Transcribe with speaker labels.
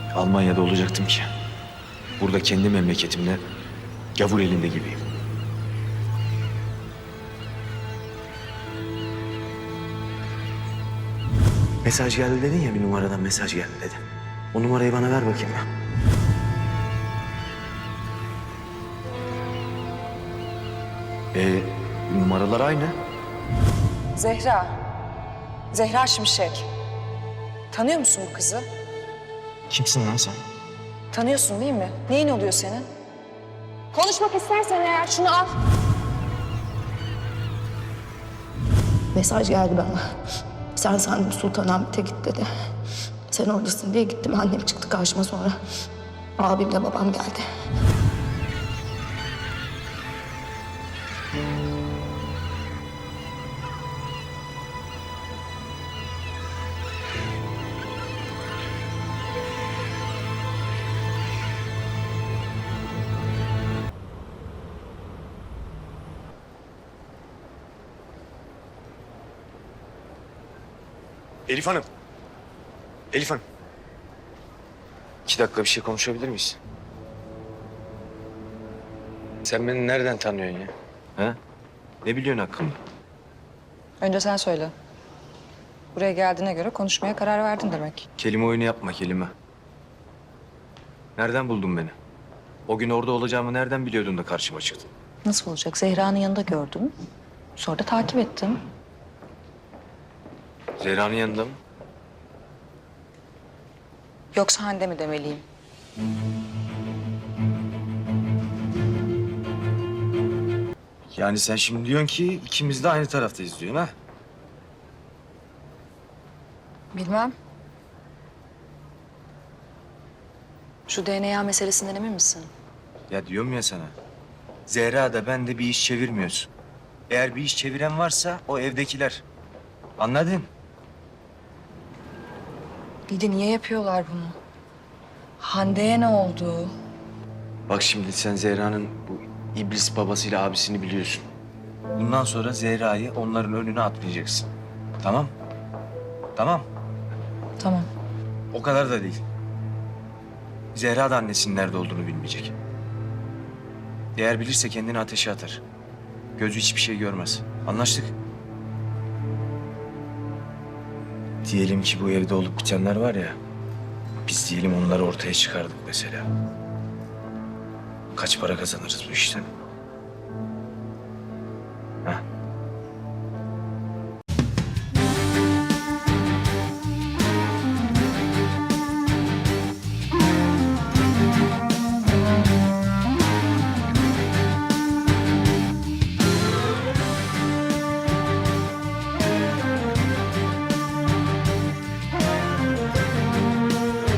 Speaker 1: Almanya'da olacaktım ki. Burada kendi memleketimde gavur elinde gibiyim. Mesaj geldi dedin ya, bir numaradan mesaj geldi dedim. O numarayı bana ver bakayım ya. Numaralar aynı.
Speaker 2: Zehra. Zehra Şimşek. Tanıyor musun bu kızı?
Speaker 1: Kimsin lan sen?
Speaker 2: Tanıyorsun değil mi? Neyin oluyor senin? Konuşmak istersen eğer şunu al.
Speaker 3: Mesaj geldi bana. Sen sandım Sultanahmet'e git dedi. Sen oradasın diye gittim. Annem çıktı karşıma sonra. Abimle babam geldi.
Speaker 1: Elif Hanım. Elif Hanım. 2 dakika bir şey konuşabilir miyiz? Sen beni nereden tanıyorsun ya? Ha? Ne biliyorsun hakkımda?
Speaker 2: Önce sen söyle. Buraya geldiğine göre konuşmaya karar verdin demek.
Speaker 1: Kelime oyunu yapma, kelime. Nereden buldun beni? O gün orada olacağımı nereden biliyordun da karşıma çıktın?
Speaker 2: Nasıl olacak? Zehra'nın yanında gördüm. Sonra da takip ettim.
Speaker 1: Zehra'nın yanında mı?
Speaker 2: Yoksa Hande mi demeliyim?
Speaker 1: Yani sen şimdi diyorsun ki ikimiz de aynı taraftayız diyorsun ha?
Speaker 2: Bilmem. Şu DNA meselesinden emin misin?
Speaker 1: Ya diyorum ya sana. Zehra da ben de bir iş çevirmiyoruz. Eğer bir iş çeviren varsa o evdekiler. Anladın?
Speaker 2: Bir de niye yapıyorlar bunu? Hande'ye ne oldu?
Speaker 1: Bak şimdi sen Zehra'nın bu iblis babasıyla abisini biliyorsun. Bundan sonra Zehra'yı onların önüne atmayacaksın. Tamam? Tamam.
Speaker 2: Tamam.
Speaker 1: O kadar da değil. Zehra da annesinin nerede olduğunu bilmeyecek. Eğer bilirse kendini ateşe atar. Gözü hiçbir şey görmez. Anlaştık? Diyelim ki bu evde olup bitenler var ya. Biz diyelim onları ortaya çıkardık mesela. Kaç para kazanırız bu işten?